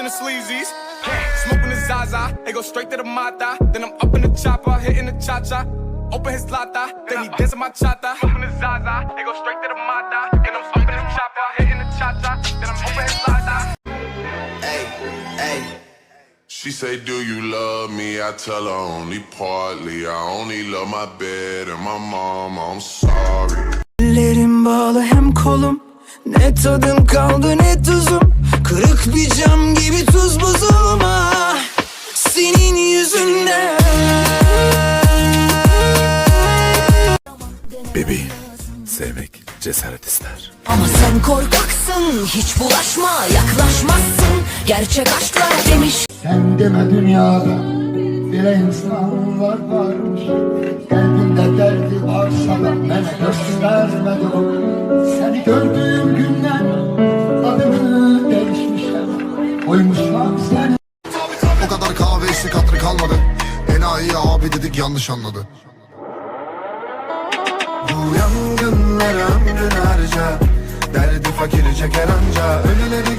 and the sleazies. Smoking the Zaza, they go straight to the Mata. Then I'm up in the chopper, hitting the cha-cha. Open his lata, then he dancing my chata. Smoking the Zaza, they go straight to the Mata. Then I'm up in the chopper, hitting the cha-cha. Then I'm open his lata. Hey, hey. She say, do you love me? I tell her only partly. I only love my bed and my mom, I'm sorry. Ellerim bağlı hem kolum, ne tadım kaldı ne tuzum. Kırık bir cam gibi tuz buzum ah, senin yüzünden. Bebeğim, sevmek cesaret ister. Ama sen korkaksın, hiç bulaşma, yaklaşmazsın. Gerçek aşklar demiş. Sen deme dünyada bir insan varmış. Kalbinde derdi varsa da bana göstermedi o. Seni gördüğüm günden adını değişmişim. Koymuşlar seni. O kadar kahve içtik hatırı kalmadı. Enayi abi dedik yanlış anladı. Bu yangınlara ömrün harca. Derdi fakiri çeker anca. Ölüleri